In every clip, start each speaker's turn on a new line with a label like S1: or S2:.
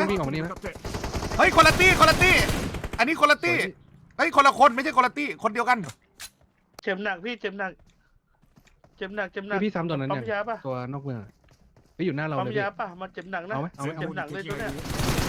S1: วิ่งออกมานี่นะ
S2: เฮ้ยคนละตี้อันนี้คนละตี้เฮ้ยคนละคนไม่ใช่คนละตี้คนเดียวกัน
S3: เจ็บหนักพี่เจ็บหนัก
S1: พี่ซ้ำตัวนั้น
S3: ปั๊
S1: เนี่
S3: ม
S1: ย
S3: ยาป่ะ
S1: ตัวนอกเมืองไปอยู่หน้าเรา
S3: ปั๊ม
S1: เลย
S3: ยาป่ะมันเจ็บหนักนะ
S1: เอาไหม
S3: เจ็บหนักเลยตัวเนี้ย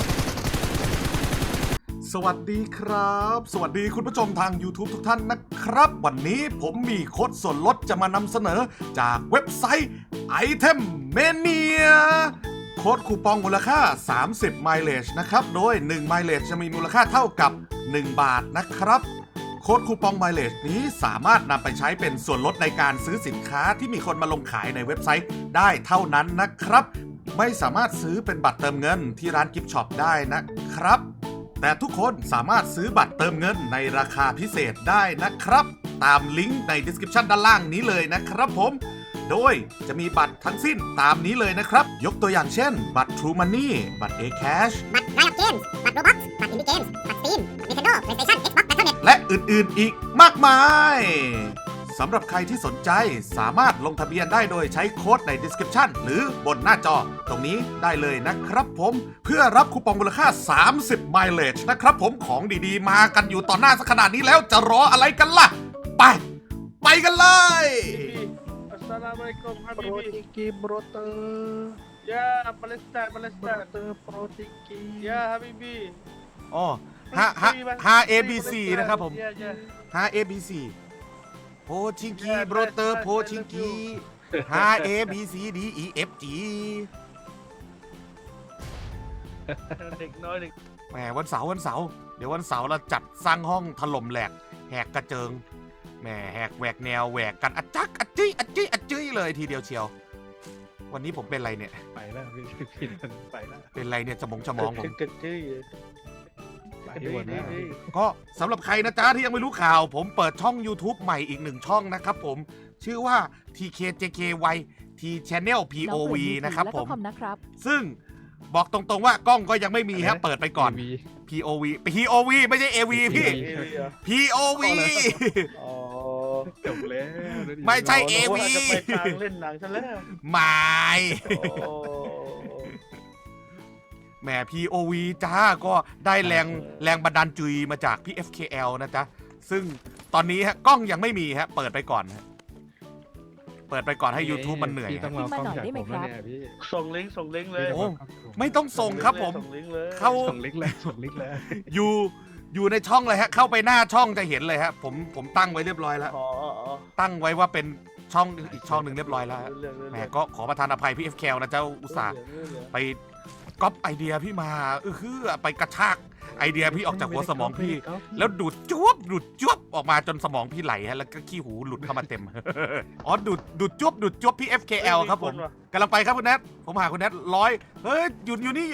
S2: สวัสดีครับ สวัสดีคุณผู้ชมทาง YouTube ทุกท่านนะครับ วันนี้ผมมีโค้ดส่วนลดจะมานำเสนอจากเว็บไซต์ Item Mania โค้ดคูปองมูลค่า30 mileage นะครับโดย1 mileage จะมีมูลค่าเท่ากับ1 บาทนะครับโค้ดคูปอง mileage นี้สามารถนำไปใช้เป็นส่วนลดในการซื้อสินค้าที่มีคนมาลงขายในเว็บไซต์ได้เท่านั้นนะครับไม่สามารถซื้อเป็นบัตรเติมเงินที่ร้านกิฟต์ช็อปได้นะครับแต่ทุกคนสามารถซื้อบัตรเติมเงินในราคาพิเศษได้นะครับตามลิงก์ใน description ด้านล่างนี้เลยนะครับผมโดยจะมีบัตรทั้งสิ้นตามนี้เลยนะครับยกตัวอย่างเช่นบัตร True Money บัตร A-Cash
S4: บัตร Riot Games บัตร Roblox บัตร Indie Games บัตร Steam บัตร Nintendo PlayStation Xbox Battle.net
S2: และอื่นๆอีกมากมายสำหรับใครที่สนใจสามารถลงทะเบียนได้โดยใช้โค้ดใน description หรือบนหน้าจอตรงนี้ได้เลยนะครับผมเพื่อรับคูปองมูลค่า30 mileage นะครับผมของดีๆมากันอยู่ต่อหน้าสักขนาดนี้แล้วจะรออะไรกันล่ะไปกันเลย
S3: อัสสลามุอะลัยกุมฮะ
S1: โปร
S3: บิบี
S1: ติกีโบรเตอร์
S3: ยาปาเลสไตน์
S1: โบรเตอร์โปรติกี
S3: ยาฮะบิบี
S2: อ๋อ5 ABC นะครับผม5 ABC โพชิงกีโบรเตอร์โพชิงกี5 ABC D E F G
S3: เด็กน้อยเด็ก
S2: แหมวันเสาร์เดี๋ยววันเสาร์เราจัดสร้างห้องถล่มแหลกแหกกระเจิงแหมแหกแหวกแนวแหวกกันอัจจักอัจจี้เลยทีเดียวเชียววันนี้ผมเป็นอะไรเนี่ย
S1: ไปแล้วพี่ไปแล้ว
S2: เป็นอะไรเนี่ยสมองผม
S3: กึกจื้อ
S1: ไปหมดแล้ว
S2: ก็สำหรับใครนะจ๊ะที่ยังไม่รู้ข่าวผมเปิดช่อง YouTube ใหม่อีก1ช่องนะครับผมชื่อว่า TKJKY T Channel POV นะครับผมซึ่งบอกตรงๆว่ากล้องก็ยังไม่มีฮะเปิดไปก่อน POV ไม่ใช่ AV พี่ POV
S3: อ๋อ
S1: จบแล้ว
S2: ไม่ใช่
S3: โอ้
S2: AV
S3: โหจะไปทางเล่นหนังซะแล้ว
S2: ไม่
S3: โอ้
S2: แหม POV จ้าก็ได้แรงบันดาลจุยมาจากพี่ FKL นะจ๊ะซึ่งตอนนี้ฮะกล้องยังไม่มีฮะเปิดไปก่อนฮะเปิดไปก่อนให้ YouTube มันเหนื่อย
S1: พี่ต้องรอกล้องจากผมแล้วเนี่ยพี่
S3: ส่งลิงก์เลย
S2: โอ้ไม่ต้องส่งครับผม
S3: ส่งลิงก์เลย
S2: เข้า
S1: ส่งลิงก์เลย
S2: อยู่ในช่องเลยฮะเข้าไปหน้าช่องจะเห็นเลยฮะผมตั้งไว้เรียบร้อยแล้ว
S3: อ๋อ
S2: ตั้งไว้ว่าเป็นช่องอีกช่องหนึ่งเรียบร้อยแล้วฮะ
S3: เรื่อง
S2: แหมก็ขอประทานอภัยพี่ FKL นะเจ้าอุตส่าห์ไปก๊อปไอเดียพี่มาไปกระชากไอเดียพี่ออกจากหัวสมองพี่ แล้วดูดจวบออกมาจนสมองพี่ไหลฮะแล้วก็ขี้หูหลุดเข้ามาเต็ม อ๋อดูดจวบพี่ FKL ครับผมกำลังไปครับคุณแนทผมหาคุณแนท100เฮ้ยอยู่นี่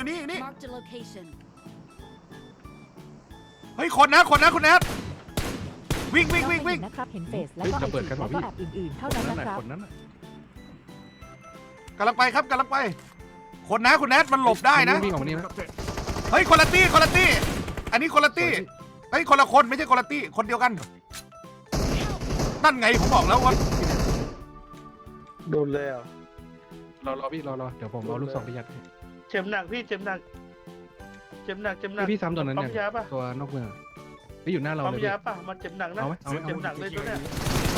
S2: เฮ้ยคนนะคุณแนทวิ่ง
S5: นะครับเห็นเฟซแล้วก็ไอจีแล้วก็แอปอื่นๆเท่านั้นนะครับ
S1: คนนั้นน่ะ
S2: กำลังไปครับกำลังไปคนนะคุณแนทมันหลบได้นะ
S1: วิ่งออกมานี่นะ
S2: เฮ้ยคนละตี้อันนี้คนละตี้เฮ้ยคนละคนไม่ใช่คนละตี้คนเดียวกันนั่นไงผมบอกแล้วว่า
S3: โดนแล้ว
S1: รอพี่รอเดี๋ยวผมเอาลูกศรไปยัด
S3: เจ็บหนักพี่เจ็บหนัก
S1: พี่ซ้ำตัวนั้นเนี่ย
S3: ปั๊มยาป่ะ
S1: ตัวนอกเมืองไปอยู่หน้าเรา
S3: ปั๊ม
S1: เลย
S3: ยาป่ะมันเจ็บหนักนะ
S1: เอาไหม
S3: เจ็บหนักเลยตัวเนี้ย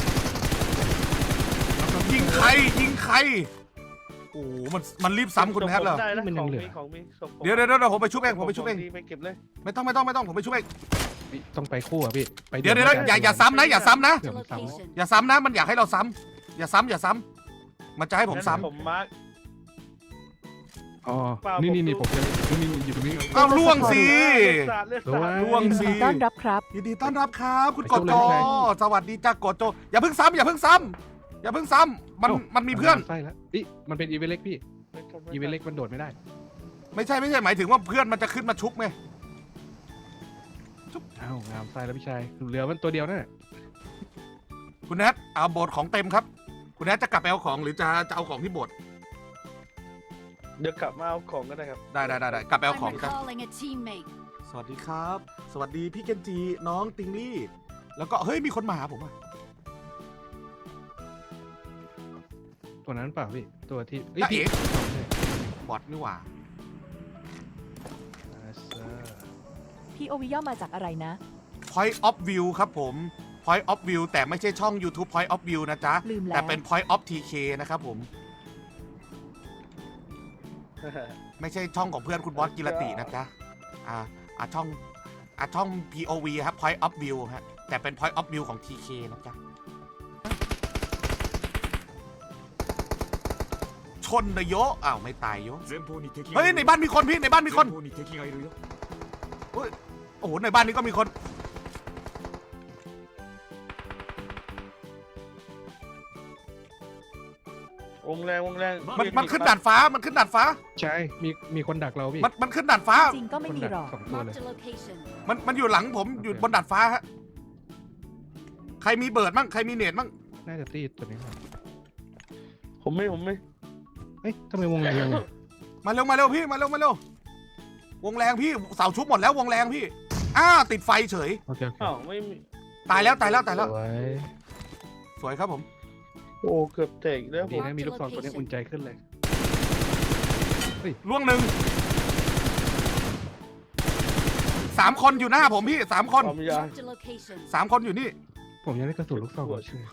S2: ยิงใครโอ้โหมันรีบซ้ำคุณแนทเหรอ
S3: ได้นะของมีส่งผม
S2: เดี๋ยวผมไปชุบเองไป
S3: เก็บเลย
S2: ไม่ต้องผมไปช่วยเอง
S1: ต้องไปคู่อ่ะพี่ไป
S2: เดี๋ยวอย่าซ้ำนะอย่าซ้ำนะ
S1: เดี๋ยวผมซ้ำ
S2: อย่าซ้ำนะมันอยากให้เราซ้ำอย่าซ้ำมันจะให้ผมซ้
S3: ผมมาร์ค
S1: อ๋อนี่ผมจะนี่อยู่ตรงนี้
S2: ำเอาล่วงสิ
S3: เลือดสาด
S2: ล่วง
S5: ยิน
S2: สิ
S5: ดีต้อนรับครับ
S2: ยินดีต้อนรับครับคุณกดโจสวัสดีจ้ากดโจอย่าเพิ่งซ้ำมันมีเพื่อน
S1: ใช่แล้วนี่มันเป็นอีเวนต์เล็กพี่อีเวนต์เล็กมันโดดไม่ได้
S2: ไม่ใช่หมายถึงว่าเพื่อนมันจะขึ้นมาชุบไง
S1: อ้าวงามไส้แล้วพี่ชายเหลือมันตัวเดียวนั่นแหละ
S2: คุณแนทเอาโบสถ์ของเต็มครับคุณแนทจะกลับไปเอาของหรือจะเอาของที่โบสถ์
S3: เดี๋ยวกลับมาเอาของก็ได้ครับ
S2: ได้กลับไปเอาของครับ
S6: recalling a teammate.
S2: สวัสดีครับ สวัสดีพี่เกนจีน้องติงลี่แล้วก็เฮ้ยมีคนมาหาผมอ่ะ
S1: ตัวนั้นเปล่าพี่ตัวที่
S2: จ้าเอ๋
S1: พี่
S2: บอทนี่หว่า
S5: POV ย่อมาจากอะไรนะ
S2: Point of View ครับผม Point of View แต่ไม่ใช่ช่อง YouTube Point of View นะจ๊ะ
S5: ลืมแล้ว
S2: แต่เป็น Point of TK นะครับผม ไม่ใช่ช่องของเพื่อนคุณบอสกิรตินะจ๊ะช่อง POV ครับ Point of View ฮะแต่เป็น Point of View ของ TK นะจ๊ะ ชนนะโยอ้าวไม่ตายโยเฮ้ยในบ้านมีคนพี่ในบ้านมีคนเฮ้ยโอ้โหในบ้านนี้ก็มีคน
S3: วงแรง
S2: มันขึ้นด่านฟ้ามันขึ้นด่านฟ้า
S1: ใช่มีคนดักเราพี่
S2: มันขึ้นด่านฟ้า
S5: จริงก็ไม่มีหรอก
S1: สองตัวเลย
S2: มันอยู่หลังผมอยู่บนดาดฟ้าฮะใครมีเบิร์ดมั่งใครมีเนตมั่ง
S1: น่าจะตีตัวนี้ครับ
S3: ผมไม่
S1: เอ้ยทำไมวงแรงยังไง
S2: มาเร็วพี่มาเร็ววงแรงพี่เสาชุบหมดแล้ววงแรงพี่ติดไฟเฉย
S1: โอเค
S3: อ้าวไม่มี
S2: ตายแล้ว
S1: สวย
S2: สวยครับผม
S3: โอ้เกือบแตกแล้วผ
S1: ดี
S3: ม
S1: นะมีลูกซองตัวนี้อุ่นใจขึ้นเลย
S2: ล่วงหนึ่ง3 คนอยู่หน้าผมพี่3 คน
S3: ความยาว
S2: 3 คนอยู่นี่
S1: ผมยังได้กระสุนลูกซองก่อนชื่อ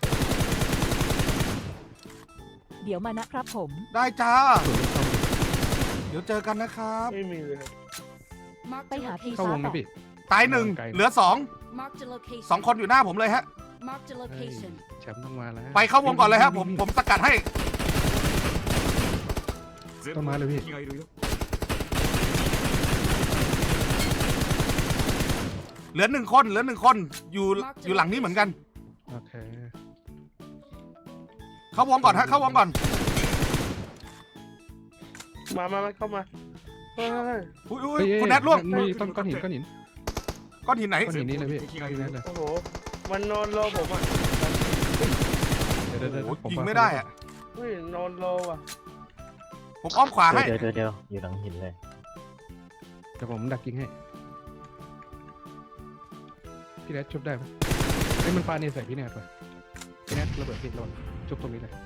S5: เดี๋ยวมานะครับผม
S2: ได้จ้า
S1: กระสุนลูกซอง
S2: เดี๋ยวเจอกันนะครับ
S3: ไม่มีเลยครับ
S5: ไปหาพี่
S1: เข้าว
S5: ฟ้าง
S1: ไหมพี่
S2: ตายหนึ่ง
S1: ไกล
S2: เหลือ2คนอยู่หน้าผมเลยฮะ
S1: เฮ้ยแชมป์ต้องมาแล้ว
S2: ไปเข้าวงก่อนเลยฮะผมสกัดให้
S1: ต้องมาเลยพี่
S2: เหลือ1 คนอยู่หลังนี้เหมือนกัน
S1: โอเค
S2: เข้าวงก่อนฮะเข้าวงก่อน
S3: มาเข้ามาเฮ้ย
S2: อุ้ย
S1: เฮ้ย
S2: คุณแนทล่วง
S1: มีต้นก้อนหิน
S2: ก้อนหินไหน
S1: ก้อนหินนี้เลยพี่พี่แนทเลย
S3: โอ้โหมันนอนรอผมอ่ะ
S1: เดี๋ยว
S2: โอ้โห
S1: ผม
S2: ยิงไม่ได้อะ
S3: เฮ้ยนอนรอว่ะ
S2: ผมอ้อมขวาให้
S6: เดี๋ยวอยู่หลังหินเลย
S1: เดี๋ยวผมดักยิงให้พี่แนทชุบได้ไหมเฮ้ยมันปาเนี่ยใส่พี่แนทไปพี่แนทระเบิดพี่ระวังชุบตรงนี้เลย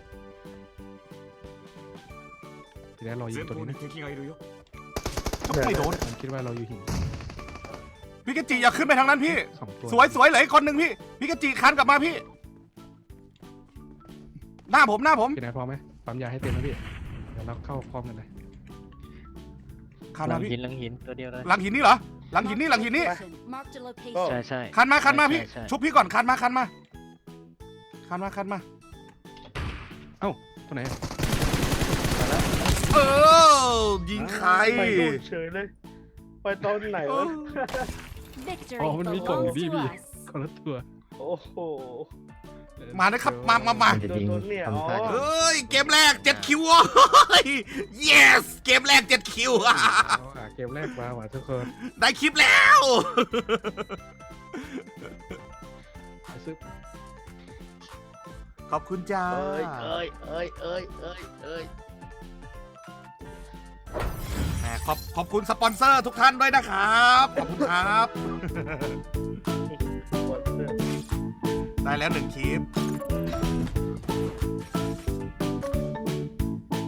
S1: พี่แนทรอยิงตัวนี้นะ
S2: ไม่โดน
S1: ผมคิดว่าเราอยู่หิน
S2: พี่กจิอย่าขึ้นไปทางนั้นพี่
S1: 2 ตัว
S2: สวยเหลืออีกคนหนึ่งพี่กจิคันกลับมาพี่ หน้าผม
S1: พี่แนทพร้อมไหมปั๊มยาให้เต็มนะพี่เดี๋ยวเราเข้าพร้อมกันเลย
S2: คัน
S6: หลั
S2: มาง พี่
S6: หินหลังหินตัวเดียวเลย
S2: หลังหินนี่เหรอหลังหินนี่
S3: ก็
S6: ใช่
S2: คันมาพี่
S6: ใช่
S2: ชุบพี่ก่อนคันมา
S1: เอ้าตัวไหน
S2: ยิงใคร
S3: ไปดูเฉยเลย ไปตอนไหนวะ
S1: อ๋อมันมีกล่องอยู่พี่คนละตัว
S3: โอ้โห
S2: มานะครับมา
S6: มันจะยิง
S3: โดนเนี่ย
S6: ทำท่า
S3: อ๋อ
S2: เอ้ยเกมแรก7 คิวyes เกมแรก7 คิว
S1: เกมแรกมาว่ะทุกคน
S2: ได้คลิปแล้ว
S1: ซื้อ
S2: ขอบคุณจ้า
S3: เอ้ย
S2: แหมขอบคุณสปอนเซอร์ทุกท่านด้วยนะครับ ขอบคุณครับ ได้แล้ว1 คลิป